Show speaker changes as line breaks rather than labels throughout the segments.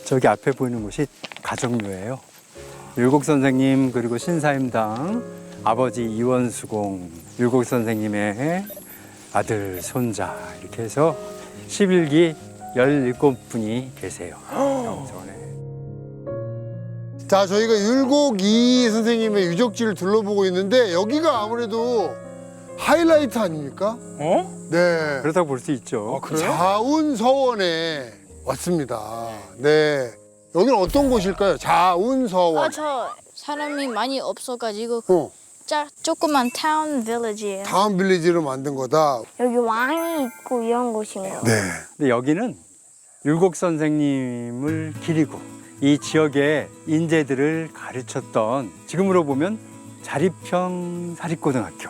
저기 앞에 보이는 곳이 가정묘예요. 율곡 선생님 그리고 신사임당 아버지 이원수공, 율곡 선생님의 아들, 손자 이렇게 해서 11기 17분이 계세요. 영성원에.
자, 저희가 율곡이 선생님의 유적지를 둘러보고 있는데 여기가 아무래도 하이라이트 아닙니까?
어?
네.
그렇다고 볼 수 있죠.
그래요?
자운서원에 왔습니다. 네. 여기는 어떤 곳일까요? 자운서원.
저 사람이 많이 없어가지고
어,
조그만 타운 빌리지예요.
다운 빌리지로 만든 거다.
여기 왕이 있고 이런 곳인가요?
네.
근데 여기는 율곡 선생님을 기리고 이 지역의 인재들을 가르쳤던, 지금으로 보면 자립형 사립고등학교.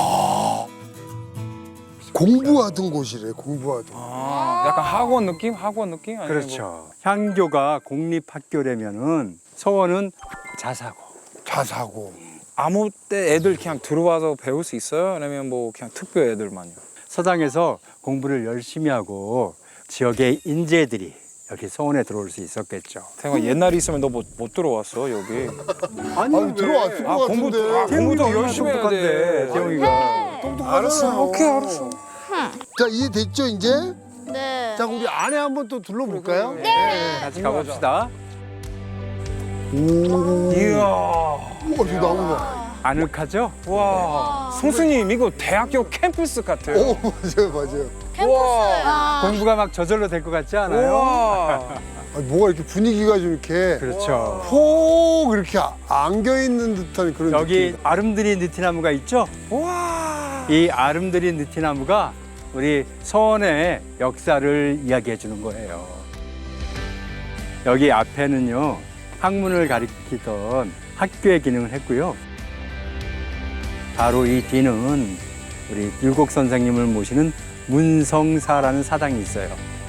공부하던 곳이래, 공부하던.
아, 약간 학원 느낌? 학원 느낌? 아니면
그렇죠. 향교가 공립학교라면은 서원은 자사고.
자사고.
아무 때 애들 그냥 들어와서 배울 수 있어요? 아니면 뭐 그냥 특별 애들만요?
서당에서 공부를 열심히 하고 지역의 인재들이 여기 서원에 들어올 수 있었겠죠.
태영아 옛날에 있으면 너 못 들어왔어 여기.
아니, 들어왔을 것 같은데.
공부도 열심히 해야 돼.
태영이가.
똑똑하잖아요.
오케이 알았어.
자, 이해됐죠, 이제?
네.
자, 우리 안에 한번 또 둘러볼까요?
네.
같이 가봅시다.
이야.
우와, 저 나무 봐.
아늑하죠?
와. 성수님 이거 대학교 캠퍼스 같아요.
오, 맞아요, 맞아요.
와.
공부가 막 저절로 될 것 같지 않아요?
와.
아니, 뭐가 이렇게 분위기가 좀 이렇게
그렇죠.
폭 이렇게 안겨있는 듯한 그런
여기
느낌.
아름드리 느티나무가 있죠?
와.
이 아름드리 느티나무가 우리 서원의 역사를 이야기해 주는 거예요. 여기 앞에는요, 학문을 가리키던 학교의 기능을 했고요. 바로 이 뒤는 우리 율곡 선생님을 모시는 문성사라는 사당이 있어요.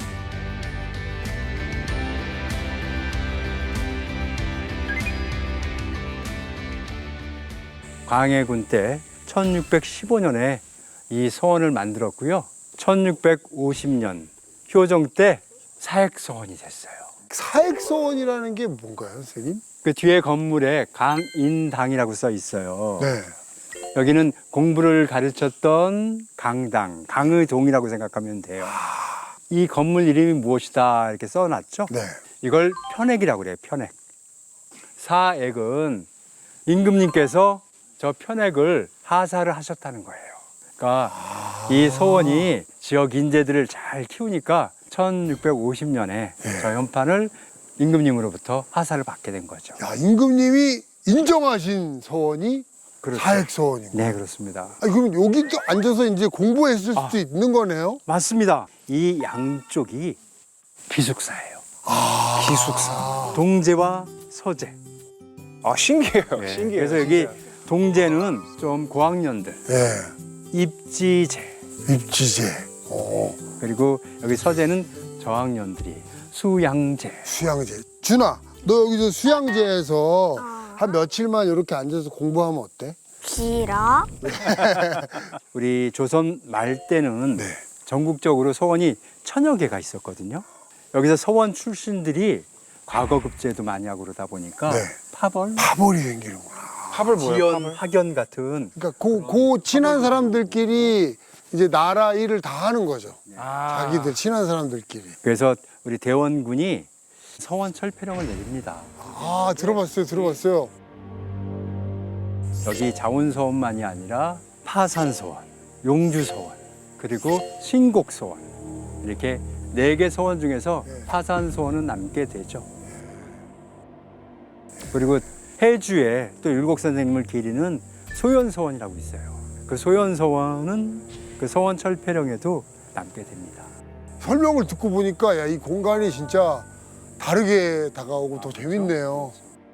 광해군 때 1615년에 이 서원을 만들었고요. 1650년 효정 때 사액서원이 됐어요.
사액서원이라는 게 뭔가요, 선생님?
그 뒤에 건물에 강인당이라고 써 있어요.
네.
여기는 공부를 가르쳤던 강당, 강의동이라고 생각하면 돼요. 이 건물 이름이 무엇이다 이렇게 써놨죠?
네.
이걸 편액이라고 그래요, 편액. 사액은 임금님께서 저 편액을 하사를 하셨다는 거예요. 그러니까 이 서원이 지역 인재들을 잘 키우니까 1650년에 저 현판을 임금님으로부터 하사를 받게 된 거죠.
야, 임금님이 인정하신 서원이
그렇죠.
사액서원인 거예요.
네, 그렇습니다.
아니, 그럼 여기도 앉아서 이제 공부했을 수도 있는 거네요?
맞습니다. 이 양쪽이 기숙사예요.
기숙사.
동제와 서제.
아 신기해요.
네,
신기해요.
그래서 여기
진짜.
동제는 좀 고학년들,
네.
입지제,
입지제.
그리고 여기 서제는 저학년들이 수양제.
수양제. 준아, 너 여기서 수양제에서 한 며칠만 이렇게 앉아서 공부하면 어때?
길어?
우리 조선 말 때는
네.
전국적으로 서원이 1000여 개가 있었거든요. 여기서 서원 출신들이 과거 급제도 많이 하고 그러다 보니까
네.
파벌,
파벌이 생기는구나.
팝을 뭐예요?
지연,
팝을?
학연 같은
그러니까 그 친한 사람들끼리 이제 나라 일을 다 하는 거죠.
아.
자기들 친한 사람들끼리.
그래서 우리 대원군이 서원 철폐령을 내립니다.
아, 들어봤어요.
여기 자운서원만이 아니라 파산서원, 용주서원, 그리고 신곡서원 이렇게 4개 서원 중에서 파산서원은 남게 되죠. 그리고 해주에 또 율곡 선생님을 기리는 소연서원이라고 있어요. 그 소연서원은 그 서원 철폐령에도 남게 됩니다.
설명을 듣고 보니까 야, 이 공간이 진짜 다르게 다가오고 더 재밌네요.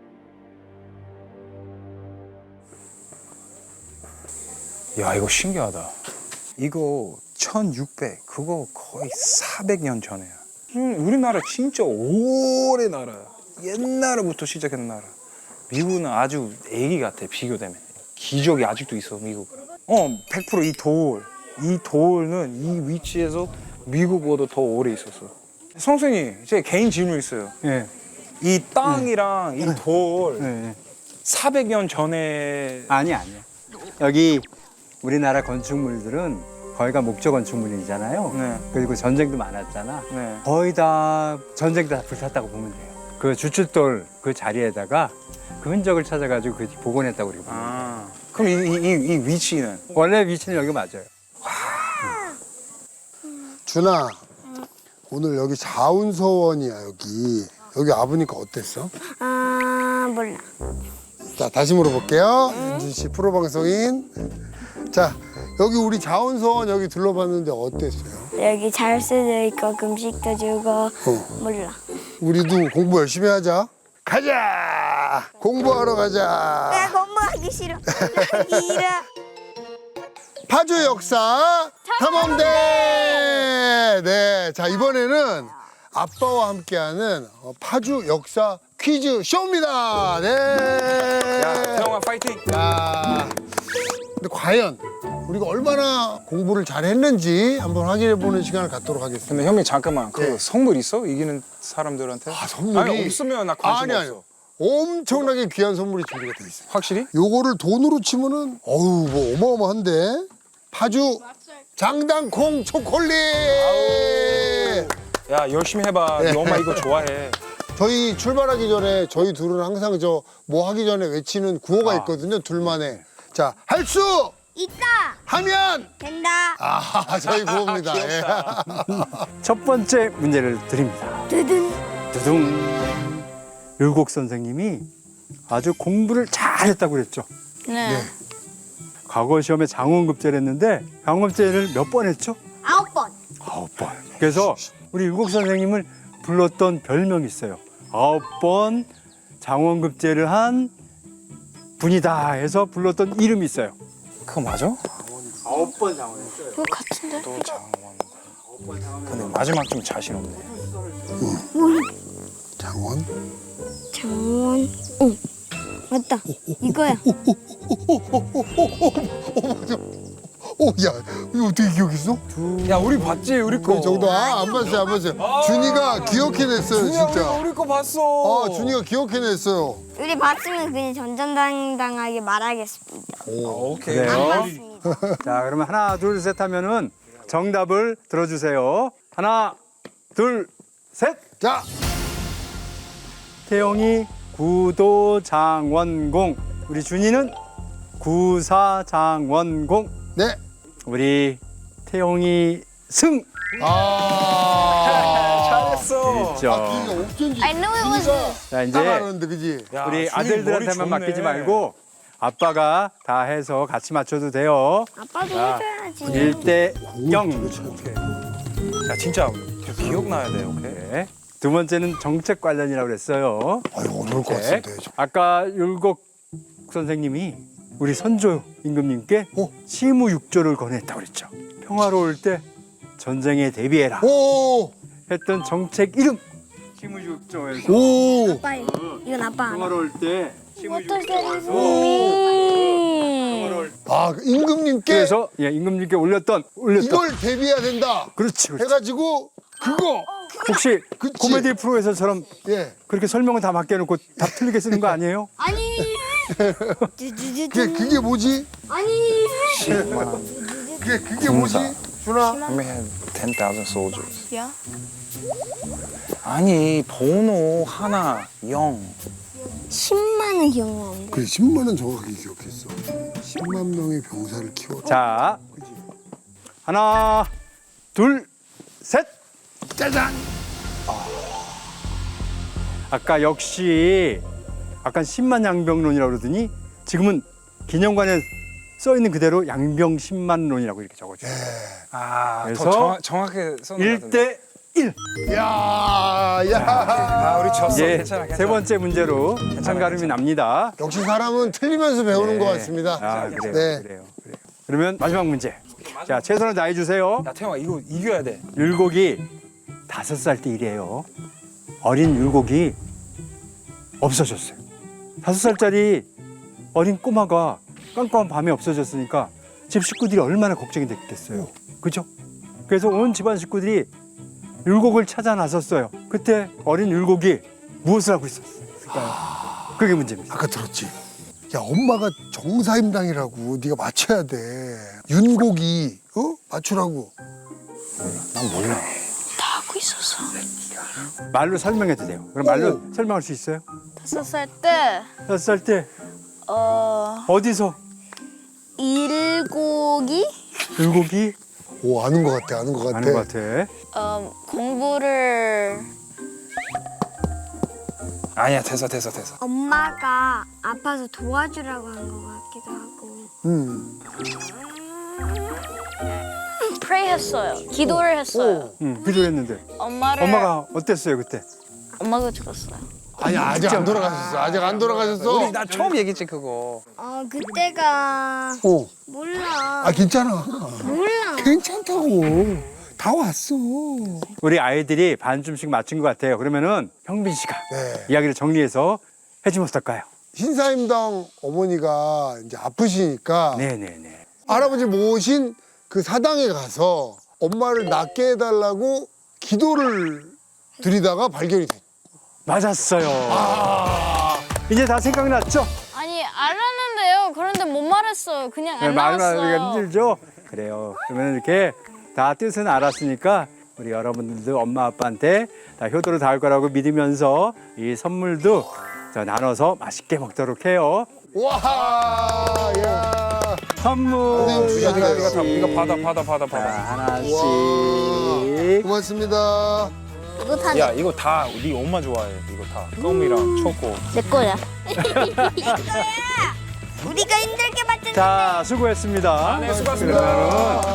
야 이거 신기하다. 이거 1600 그거 거의 400년 전에야. 우리나라 진짜 오래 나라야. 옛날부터 시작한 나라. 미국은 아주 애기 같아 비교되면. 기적이 아직도 있어 미국은. 100% 이 돌은 이 위치에서 미국보다 더 오래 있었어. 선생님 제 개인 질문 있어요.
예.
이 땅이랑 이 돌
네.
400년 전에
아니야. 여기 우리나라 건축물들은 거의가 목조 건축물이잖아요.
네.
그리고 전쟁도 많았잖아.
네.
거의 다 전쟁 다 불탔다고 보면 돼요. 그 주춧돌 그 자리에다가 그 흔적을 찾아가지고 그 복원했다고 우리가 봅니다.
아. 그럼 이 위치는
원래 위치는 여기 맞아요.
준아, 오늘 여기 자운서원이야 여기. 여기 와보니까 어땠어?
아 몰라.
자, 다시 물어볼게요. 윤준 씨 프로 방송인. 자, 여기 우리 자운서원 여기 둘러봤는데 어땠어요?
여기 잘 수도 있고 금식도 주고 몰라.
우리도 공부 열심히 하자. 가자. 공부하러 가자.
공부하기 싫어. 싫어.
파주 역사 탐험대. 네, 자 이번에는 아빠와 함께하는 파주 역사 퀴즈 쇼입니다. 네.
야, 태영아 파이팅.
야, 근데 과연 우리가 얼마나 공부를 잘했는지 한번 확인해보는 시간을 갖도록 하겠습니다.
근데 형님 잠깐만 그
네.
선물 있어? 이기는 사람들한테?
아, 선물이
아니, 없으면 나 관심
아니,
없어.
아니요. 엄청나게 귀한 선물이 준비가 돼 있어요.
확실히?
요거를 돈으로 치면은 어우 뭐 어마어마한데. 파주 장당콩 초콜릿.
야 열심히 해봐.
네.
네 엄마 이거 좋아해.
저희 출발하기 전에 저희 둘은 항상 저 뭐 하기 전에 외치는 구호가 있거든요. 둘만의. 자, 할 수
있다.
하면
된다.
아, 저희 구호입니다. 예.
첫 번째 문제를 드립니다.
두둔.
두둥. 율곡 선생님이 아주 공부를 잘했다고 그랬죠.
네.
과거 시험에 장원급제를 했는데 장원급제를 몇 번 했죠?
9번.
9번. 그래서 우리 율곡 선생님을 불렀던 별명이 있어요. 9번 장원급제를 한 분이다 해서 불렀던 이름이 있어요.
그거 맞아?
9번 장원했어요.
그거 같은데?
또 장원. 근데 마지막 좀 자신 없네.
장원.
장원. 응. 맞다. 이거야.
야, 이거 어떻게 기억했어?
야 우리 봤지 우리 거.
그 정도. 안 봤어요, 안 봤어요. 준이가 기억해냈어요,
준이야,
진짜.
우리 거 봤어.
준이가 기억해냈어요.
우리 봤으면 그냥 전전당당하게 말하겠습니다.
오케이.
그래요?
안 봤습니다.
자, 그러면 하나, 둘, 셋 하면은 정답을 들어주세요. 하나, 둘, 셋.
자,
태영이 구도장원공. 우리 준이는 구사장원공.
네.
우리 태영이 승.
잘했어.
있죠.
준이가 어쩐지.
I knew it was
준이가
자,
딱
이제
알았는데, 그지?
야,
우리
준이
아들들한테만
머리
맡기지
좋네.
말고 아빠가 다 해서 같이 맞춰도 돼요.
아빠도
자,
해줘야지.
1대 0.
오케이. 야 진짜 기억나야 돼. 오케이.
네. 두 번째는 정책 관련이라고 그랬어요.
아유, 어려울 것
네.
같은데.
아까 율곡 선생님이 우리 선조 임금님께 시무육조를 권했다고 그랬죠. 평화로울 때 전쟁에 대비해라
오!
했던 정책 이름. 시무육조에서
오!
아빠, 이건 아빠.
평화로울 때 시무육조에서
아, 그 임금님께
그래서 예, 임금님께 올렸던
이걸 대비해야 된다.
그렇지, 그렇지.
해가지고 그거.
혹시
그치.
코미디 프로에서처럼
예.
그렇게 설명을 다 맡겨놓고 답 틀리게 쓰는 거 아니에요?
아니.
그게 뭐지?
아니.
그게 뭐지? 준아.
We had 10,000 soldiers.
야?
아니 번호 하나 0.
10만은 기억나는데.
그래, 10만 원 정확하게 기억했어. 10만 명의 병사를 키워.
자, 하나, 둘, 셋.
짜잔.
아까 역시 아까 10만 양병론이라고 그러더니 지금은 기념관에 써 있는 그대로 양병 10만론이라고 이렇게 적어줘요.
아,
그래서
더 정확하게 썼는 것 같은데.
1대 1.
야, 야.
아, 우리 졌어.
이제
괜찮아, 괜찮아.
세 번째 문제로 한가름이 납니다.
역시 사람은 틀리면서 배우는 것 같습니다.
아, 그래요,
네.
그래요. 그러면 마지막 문제. 자, 최선을 다해 주세요.
야 태영아 이거 이겨야 돼.
율곡이 5살 때 일이에요. 어린 율곡이 없어졌어요. 5살짜리 어린 꼬마가 깜깜한 밤에 없어졌으니까 집 식구들이 얼마나 걱정이 됐겠어요. 그죠? 그래서 온 집안 식구들이 율곡을 찾아 나섰어요. 그때 어린 율곡이 무엇을 하고 있었을까요? 그게 문제입니다.
아까 들었지? 야, 엄마가 정사임당이라고 네가 맞춰야 돼. 윤곡이 맞추라고.
난 몰라.
다 하고 있었어.
말로 설명해도 돼요. 그럼 말로 설명할 수 있어요?
5살 때
5살 때 어디서?
일곡이
물고기?
오, 아는 것 같아. 아는 것 같아.
아는 것 같아.
공부를
아니야, 됐어.
엄마가 아파서 도와주라고 한 것 같기도 하고.
pray 했어요. 기도를 했어요.
기도했는데
엄마를
엄마가 어땠어요 그때?
엄마가 죽었어요.
아니, 아직 안 돌아가셨어. 아직 안 돌아가셨어.
나 처음 얘기했지 그거.
그때가
어.
몰라.
아, 괜찮아.
몰라.
괜찮다고. 다 왔어.
우리 아이들이 반쯤씩 맞춘 것 같아요. 그러면은 형빈 씨가
네.
이야기를 정리해서 해주면 어떨까요?
신사임당 어머니가 이제 아프시니까
네네네.
할아버지 모신 그 사당에 가서 엄마를 낫게 해달라고 기도를 드리다가 발견이 됐.
맞았어요. 이제 다 생각났죠?
아니 알았는데요. 그런데 못 말했어요. 그냥 안
말하기가
나왔어요.
힘들죠? 그래요. 그러면 이렇게 다 뜻은 알았으니까 우리 여러분들도 엄마 아빠한테 다 효도를 다할 거라고 믿으면서 이 선물도 자, 나눠서 맛있게 먹도록 해요.
와, 야.
선물
선생님,
이거 받아.
자, 하나씩.
고맙습니다.
이거 다
야, 이거 다 우리 엄마 좋아해. 이거 다 껌이랑 초코.
내 거야.
우리가 힘들게 봤잖아.
자, 수고했습니다.
네, 수고하셨습니다.
그러면은